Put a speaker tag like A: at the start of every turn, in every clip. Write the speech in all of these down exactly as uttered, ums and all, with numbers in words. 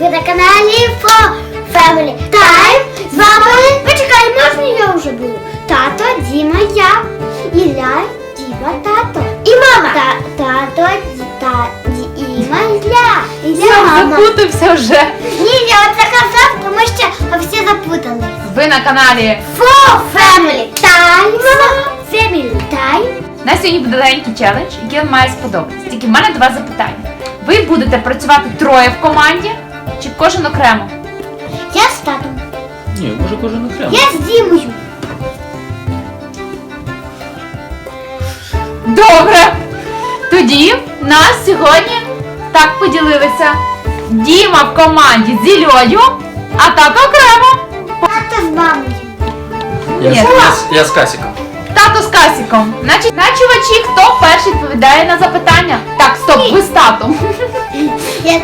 A: Ви на каналі For Family Time. З вами, почекай, можна я вже буду? Тато, Діма, я, Ілля, Діма, тато. І мама. Та, тато, та, Діма, Ілля. Ілля, мама.
B: Запутався вже.
A: Ні, я оце казав, тому що всі запутались.
B: Ви на каналі
A: For Family Time. Family Time.
B: На сьогодні буде легенький челендж, який вам має сподобатися. Тільки в мене два запитання. Ви будете працювати троє в команді чи кожен окремо?
A: Я з татом.
C: Ні, може кожен окремо.
A: Я з Дімою.
B: Добре! Тоді нас сьогодні так поділилися. Діма в команді з Іллею, а тато окремо.
A: Тато з мамою.
C: Я,
B: Ні.
C: з- я, з- я з Касіком.
B: Тато з Касіком. Значить, начувачі, хто перший відповідає на запитання? Так, стоп, ви з татом.
A: Я...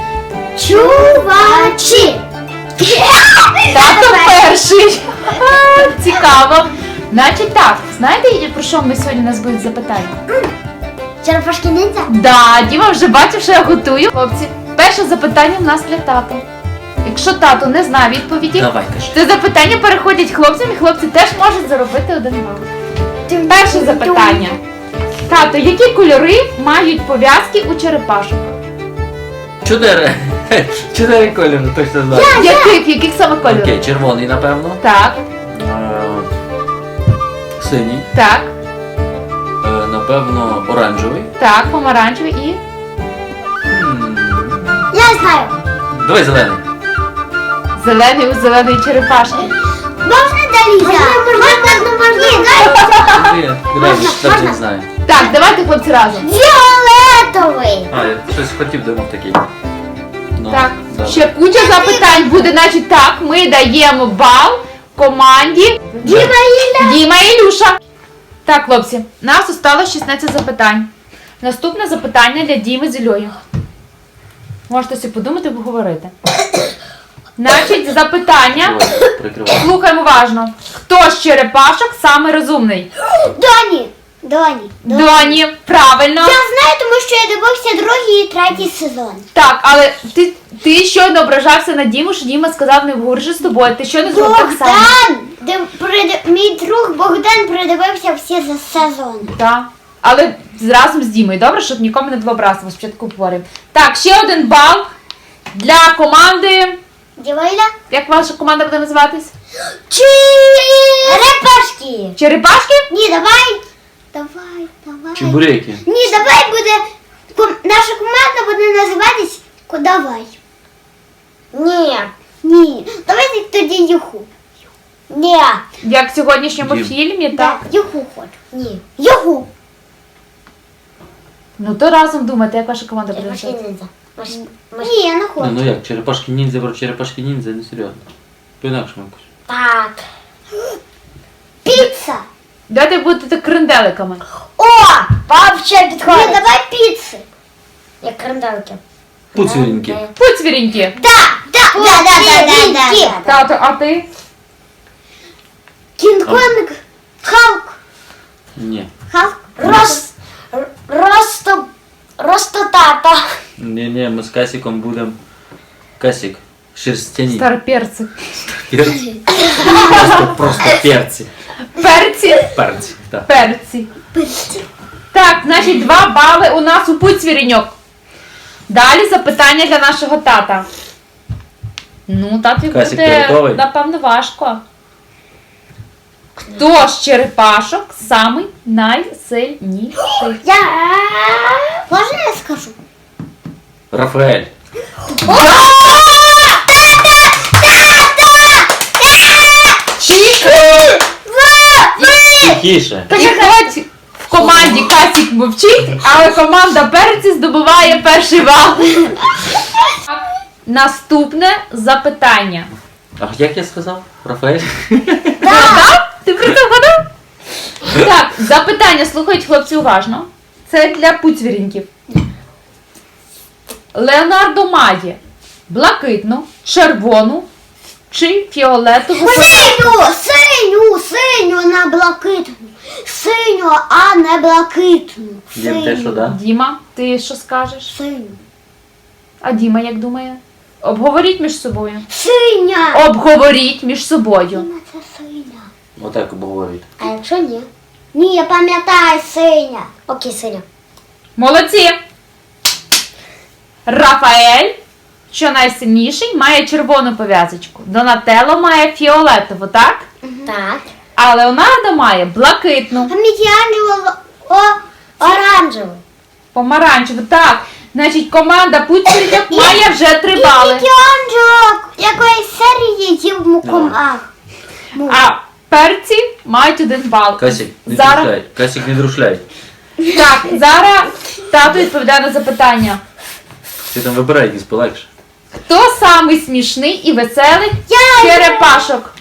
A: Чувачі.
B: Тато перший. Цікаво. Значить так, знаєте, про що ми сьогодні у нас будуть запитання?
A: Черепашки ніндзя?
B: Да, Діма вже бачив, що я готую. Хлопці, перше запитання в нас для тата. Якщо тато не знає відповіді,
C: Давай, кажи.
B: то запитання переходять хлопцям, і хлопці теж можуть заробити один бал. Перше запитання. Тато, які кольори мають пов'язки у черепашок?
C: Чотири. Чотири кольори, точно знаю.
B: Яких, яких саме кольорів?
C: Окей, червоний, напевно.
B: Так,
C: Е, Синій.
B: так,
C: Е, Напевно, оранжевий.
B: так, помаранчевий і...
C: М,
A: Я знаю.
C: Давай зелений.
B: Зелений у зеленої черепашки.
A: Можна далі? Можна, можна, можна. Ні, дай.
C: Ні, Давай,
A: Можна,
C: так
A: можна?
C: не знаю.
B: Так, давайте, хлопці, разом.
A: Фіолетовий.
C: А, я щось хотів думав такий. Ну,
B: Так,
C: добре.
B: ще куча запитань буде, значить так, ми даємо бал команді
A: Діма, Ілля.
B: Діма і Ілюша. Так, хлопці, нас осталось шістнадцять запитань. Наступне запитання для Діми з Іллею. Можете собі подумати, поговорити. Значить, запитання.
C: Давай, прикривай.
B: Слухаємо уважно. Хто з черепашок самий розумний?
A: Доні. Доні.
B: Доні, правильно.
A: Я знаю, тому що я дивився другий і третій сезон.
B: Так, але ти, ти щойно ображався на Діму, що Діма сказав не вгоржу з тобою. Ти щойно зробив так само.
A: Богдан! Де прид- Мій друг Богдан придивився всі за сезон.
B: Так. Але разом з Дімою, добре, щоб нікому не було образливо, спочатку говоримо. Так, ще один бал для команди.
A: Діма, Ілля.
B: Як ваша команда буде називатись?
A: Черепашки.
B: Черепашки?
A: Ні, давай. Давай, давай.
C: Чебуреки.
A: Ні, давай буде. ком- Наша команда буде називатись Кодавай. Ні. Ні. Давайте тоді Юху. Ні.
B: Як в сьогоднішньому
C: Дім.
B: фільмі,
A: Да,
B: так?
A: Юху хочу. Ні. Юху.
B: Ну то разом думайте, як ваша команда буде
A: Черепашки
B: називатись.
A: ніндзя. Ні, я не
C: Ну,
A: хочу.
C: ну як, черепашки ніндзя про черепашки ніндзя, не серйозно. По-інакшому якось.
A: Так. Піца.
B: Давайте будете кренделиками.
A: О! Вообще підходить. Ні, давай піци. Як кренделки.
C: Пуцвірінькі.
B: Пуцвірінькі.
A: Да, да, да, да, да, да, да.
B: Тато, а ти?
A: Кінг-Конг. Халк.
C: Ні.
A: Халк. Рос... р- Росто... Ростотата.
C: Ні-ні, ми з Касіком будемо. Касік. Шерстяні.
B: Староперці.
C: Перці. Просто, просто перці.
B: Перці.
C: Перці, так.
B: Перці. Так, значить, два бали у нас у Пуцвіріньок. Далі запитання для нашого тата. Ну, тату
C: Касік, ти
B: буде,
C: готовий?
B: напевно, важко. Хто з черепашок самий найсильніший?
A: Я... Можна я скажу?
C: Рафаель. Тихіше.
B: І хоч в команді Касік мовчить, але команда Перці здобуває перший бал. Наступне запитання.
C: А як я сказав? Рафаель?
B: Вгадав? Ти про це вгадав? Так, запитання слухають хлопці уважно. Це для пуцвіріньків. Леонардо має блакитну, червону чи фіолетову.
A: Синю, синю, синю, не блакитну. Синю, а не блакитну.
C: Дім, те, що, да?
B: Діма, ти що скажеш?
A: Синю.
B: А Діма як думає? Обговоріть між собою.
A: Синя.
B: Обговоріть між собою.
A: Діма, це синя.
C: Отак обговорюють.
A: А якщо ні? Ні, я пам'ятаю синя. Окей, синя.
B: Молодці! Рафаель, що найсильніший, має червону пов'язочку. Донателло має фіолетову, так?
A: Так.
B: А Леонардо має блакитну,
A: А Мікеланджело о, оранжевий.
B: помаранчеву. Так, значить, команда Пуцвіріньок має вже три бали.
A: Мікеланджело якоїсь серії їв мукомах.
B: А перці мають один бал.
C: Касік, не
B: Зараз...
C: друшляй. Касік, не друшляй.
B: Так, зараз тато відповідає на запитання.
C: Ти там вибирай якийсь полегше.
B: Хто самий смішний і веселий
A: Я!
B: черепашок?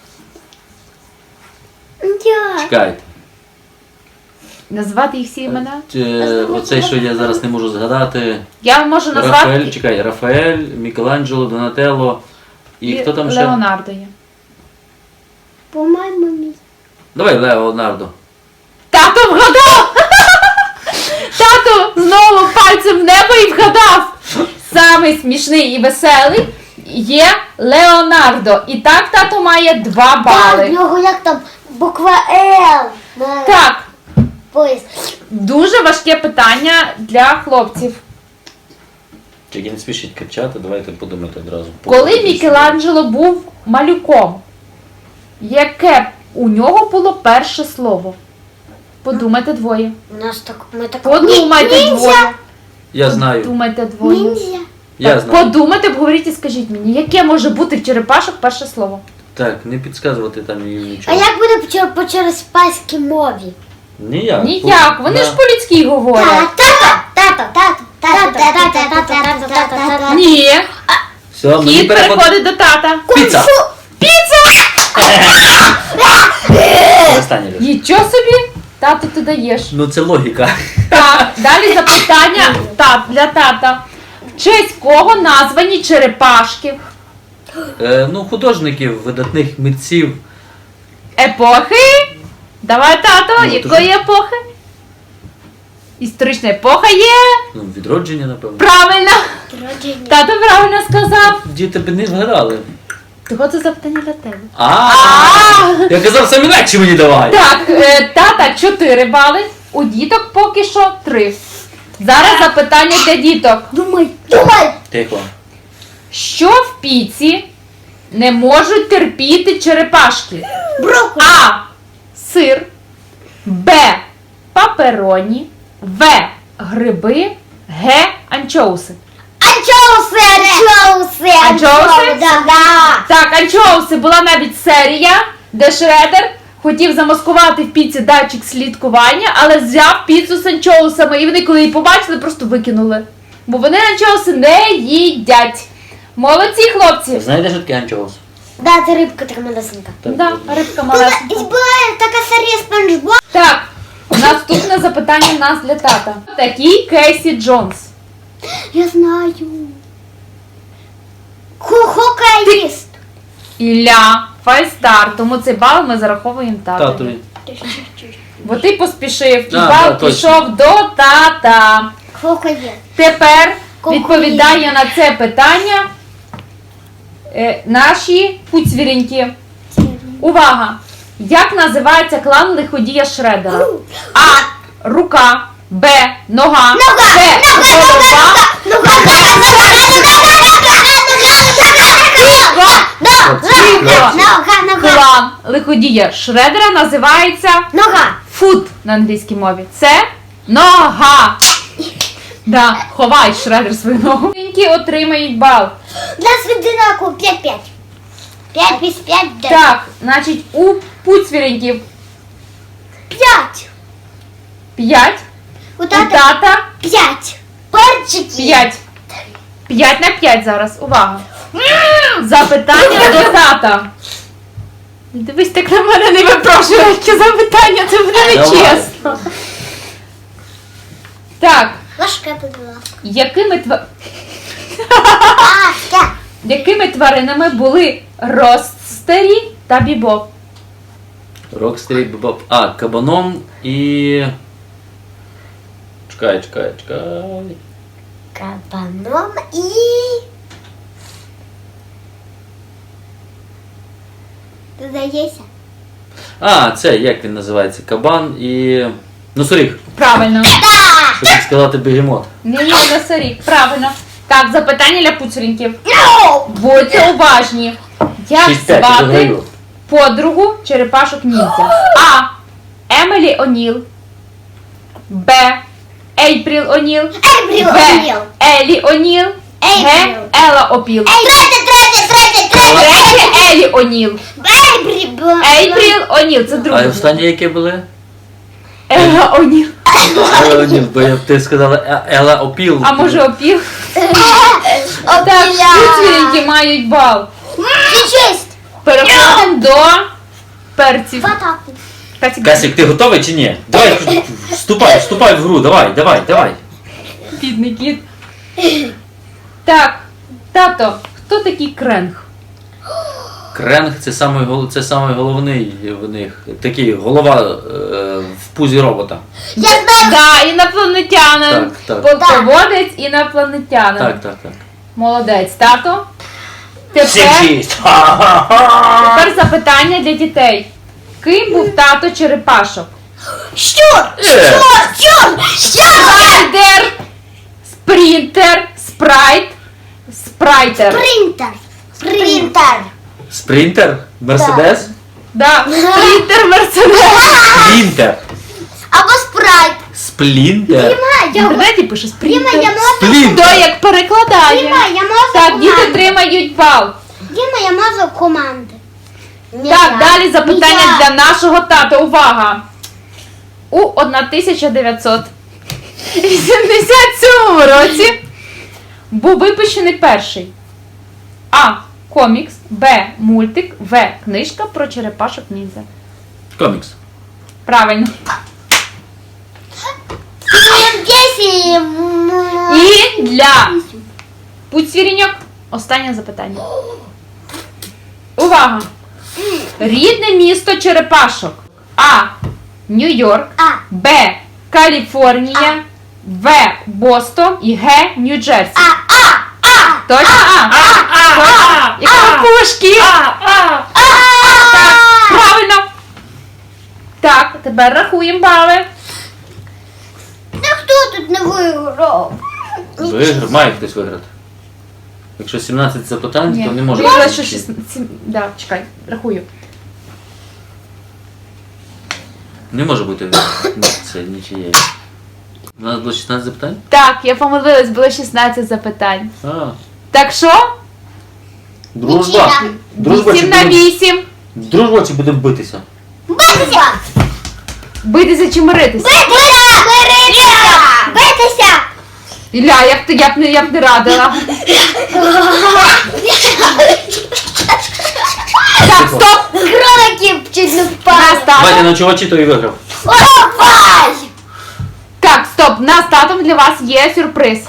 A: Я.
C: Чекайте.
B: Назвати їх всі імена?
C: Е, Оцей, що я зараз не можу згадати.
B: Я можу назвати
C: Рафаель, чекай, Рафаель, Мікеланджело, Донателло і хто там ще?
B: Леонардо є.
A: По-моєму, мій.
C: Давай, Леонардо.
B: Тато вгадав! Тато знову пальцем в небо і вгадав! Самий смішний і веселий є Леонардо. І так тато має два
A: Так, в
B: бали.
A: нього як там буква Л. на
B: Так,
A: пояс.
B: дуже важке питання для хлопців.
C: Тільки не спішіть кричати, давайте подумайте одразу.
B: Коли Мікеланджело був малюком, яке у нього було перше слово? Подумайте двоє.
A: У нас так, ми так...
B: Подумайте
A: Ні-
B: двоє.
A: ніндзя.
C: Я знаю,
B: Подумайте двоє.
A: Ніндзя.
C: я
B: Так,
C: знаю.
B: подумайте, обговоріть і скажіть мені, яке може бути в черепашок перше слово?
C: Так, не підказувати там їм
A: А
C: нічого.
A: як буде по, чер- по черепаській мові?
C: Ніяк.
B: Ніяк, вони
C: Да.
B: ж по-людськи говорять.
A: Тата, тата, тата, тата, тата, тата, тата, тата, тата.
B: Ні,
C: Все, мені
B: кіт
C: переход...
B: переходить до тата.
C: Піца!
B: Піца!
C: Останнє лише.
B: Нічого собі, тату ти даєш.
C: Ну це логіка.
B: Так, далі запитання тат, для тата. В честь кого названі черепашки?
C: Е, ну, художників, видатних митців.
B: Епохи? Давай, тато,
C: Ну,
B: якої епохи? Історична епоха є.
C: Ну, відродження, напевно.
B: Правильно.
A: Народження.
B: Тато правильно сказав.
C: Діти б не вгадали.
B: Того це запитання для тебе.
C: А, я казав, самі легші мені давай.
B: Так, е, тата чотири бали, у діток поки що три. Зараз запитання для діток.
A: Думай, думай.
C: Тихо.
B: Що в піці не можуть терпіти черепашки?
A: Брокколі.
B: А. Сир. Б. Папероні. В. Гриби. Г. Анчоуси.
A: Анчоуси, анчоуси,
B: Анчоуси?
A: Да, да.
B: Так, анчоуси була навіть серія, де Шредер хотів замаскувати в піці датчик слідкування, але взяв піцу з анчоусами, і вони, коли її побачили, просто викинули. Бо вони анчоуси не їдять. Молодці, хлопці!
C: Знаєте, що таке анчоус?
A: Да, це рибка така малесенька.
C: Так,
B: Да,
C: так.
B: рибка
A: Була,
B: малесенька.
A: була така серія Спанч Боб.
B: Так, наступне запитання в нас для тата. Такий Кейсі Джонс.
A: Я знаю. Хокаїст.
B: Ілля, файстар, тому цей бал ми зараховуємо татові.
C: Татові.
B: Бо ти поспішив, і
C: А,
B: бал
C: да, точно.
B: пішов до тата.
A: Хокаїст.
B: Тепер
A: Кокоїд.
B: відповідає на це питання е, наші пуцвіріньки. Увага! Як називається клан лиходія Шредера? А. Рука. Б. Нога. Г. Голова.
A: Нога, нога.
B: Клан лиходія Шредера називається
A: Нога.
B: фут на англійській мові. Це нога. Да, ховай Шредер свою ногу. Пуцвіріньки отримають бал.
A: Для свідинаку п'ять-п'ять. п'ять плюс п'ять, дев'ять.
B: Так, значить, у пуцвіріньків
A: п'ять.
B: п'ять,
A: У
B: у
A: тата
B: тата
A: п'ять. Перчики.
B: п'ять. п'ять на п'ять зараз. Увага. Запитання до тата. Дивись, так на мене не випрошуй, які запитання, це буде нечесно. Так,
A: Ложка, будь ласка.
B: якими, тва...
A: Ласка.
B: якими тваринами були Ростстері та Бібоп?
C: Рокстері, Боб. А, кабаном і... Чекай, чекай, чекай.
A: Кабаном і... Здається.
C: А, це як він називається? Кабан і. Носоріг.
B: Правильно.
C: Хотів сказати бегемот.
B: Ні, ні, носоріг. Правильно. Так, запитання для пуцереньків.
A: No!
B: Будьте уважні. Як
C: шість п'ять, я
B: звати
C: виграю.
B: подругу черепашок ніндзя? А. Емілі О'Ніл. Б. Ейпріл О'Ніл.
A: Ейпріл
B: В.
A: О'Ніл.
B: Елі О'Ніл. Г.
A: Ейпріл.
B: Ела Опіл.
A: Третє, третє, третє, третє.
B: Третє Елі О'Ніл.
A: Ейпріл.
B: Ейпріл О'Ніл. Це
C: А
B: друге.
C: останні які були?
B: Ела О'Ніл.
C: Ела О'Ніл, бо я- ти сказала Е- Ела Опіл.
B: А може Опіл? Так,
A: Опіля.
B: пуцеренькі мають бал.
A: Честь.
B: Переходимо до перців.
A: В атаку.
B: Касік,
C: Касік, ти готовий чи ні? Давай, вступай, вступай в гру, давай, давай, давай.
B: бідний кіт. Так, тато, хто такий кренг?
C: Кренг це самий, гол- це самий головний в них. Такий голова е, в пузі робота.
A: Я знаю.
B: Да, інопланетянин.
C: Так, так.
B: Полководець інопланетянин.
C: Так, так, так.
B: Молодець, тато. Тепер,
C: шість. Ха-ха-ха.
B: тепер запитання для дітей. Ким був тато черепашок?
A: Що?
C: Е.
A: Що? Що? Що?
B: Спайдер, спринтер, спрайт, спрайтер.
A: Принтер. Принтер.
C: Спринтер? Мерседес?
B: Да, спринтер, мерседес.
C: Сплінтер.
A: Або спрайт.
C: Сплінтер.
B: В
A: Діма, я
B: інтернеті пише
A: Діма, я
B: спринтер.
A: можу.
C: Сплінтер.
B: Хто як перекладає?
A: Діма, я можу.
B: Так, діти
A: команди.
B: отримають бал.
A: Діма, я можу команди. Не
B: Так,
A: я.
B: далі запитання
A: Не я.
B: для нашого тата. Увага! У тисяча дев'ятсот вісімдесят сьомому році був випущений перший А. Комікс, Б. Мультик, В. Книжка про черепашок ніндзя.
C: Комікс.
B: Правильно.
A: Сім, десять.
B: І для пуцвіріньок останнє запитання. Увага! Рідне місто черепашок. А. Нью-Йорк.
A: А.
B: Б. Каліфорнія. В. Бостон і Г. Нью-Джерсі.
A: А, а, а.
B: Точно? А. Точно? Як пушки. Так, правильно. Так, тепер рахуємо бали.
A: Та хто тут не виграв?
C: Виграв, має хтось виграти. Якщо сімнадцять запитань, то не може.
B: Виявилось,
C: бути
B: що
C: нічиї.
B: шістнадцять. Да, чекай, рахую.
C: Не може бути ні, це нічиєї. У нас було шістнадцять запитань?
B: Так, я помилилась, було шістнадцять запитань.
C: А,
B: Так що?
C: дружба.
A: Нічия.
C: Дружба чи
B: вісім на
C: будемо...
B: вісім.
C: Дружба чи будемо битися?
A: Битися!
B: Битися чи миритися?
A: Битися! Битися! Битися!
B: Ілля, я б, ти- я б, не, я б не радила. Так, стоп!
A: Кролики чуть не впали.
B: Нас
C: Давайте
B: татом.
C: на чувачі, то і виграв.
A: Опай!
B: Так, стоп, нас татом для вас є сюрприз.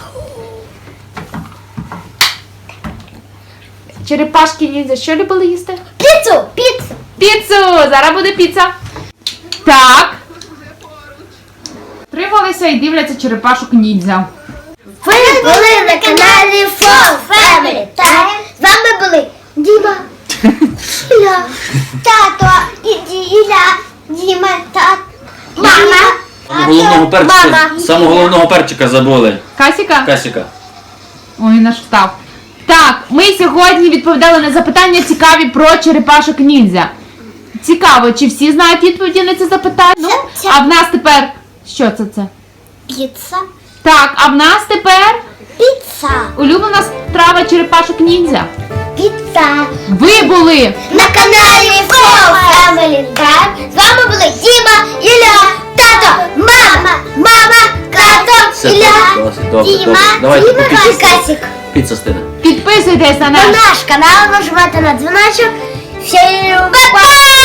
B: Черепашки ніндзя що любили їсти?
A: Піцу! Піцу!
B: Піцу! Зараз буде піца. Так. Трималися і дивляться черепашок ніндзя.
A: Ви були на каналі Fall Family Time. З вами були Діма, Ілля, тато, і Ді- Ілля, Діма, тато, мама.
C: Самого головного перчика,
A: Мама.
C: самого головного перчика забули.
B: Касіка?
C: Касіка.
B: Ой, наш встав. Так, ми сьогодні відповідали на запитання цікаві про черепашок ніндзя. Цікаво, чи всі знають відповіді на ці запитання? Ну,
A: Це- це-
B: а в нас тепер... Що це це?
A: Піца.
B: Так, а в нас тепер
A: Піца.
B: улюблена страва черепашок ніндзя.
A: Піца.
B: Ви були!
A: На каналі Fall Family Time. З вами були Діма, Ілля, тато, мама, мама, тато,
C: Все,
A: Ілля,
C: досить, добре,
A: Діма,
C: добре. Давайте
A: Діма
C: поки
A: і
C: що.
A: Касік.
C: Піца стине.
B: Підписуйтесь на
A: На
B: наш
A: наш канал, нажимайте на дзвіночок. Всім па-па!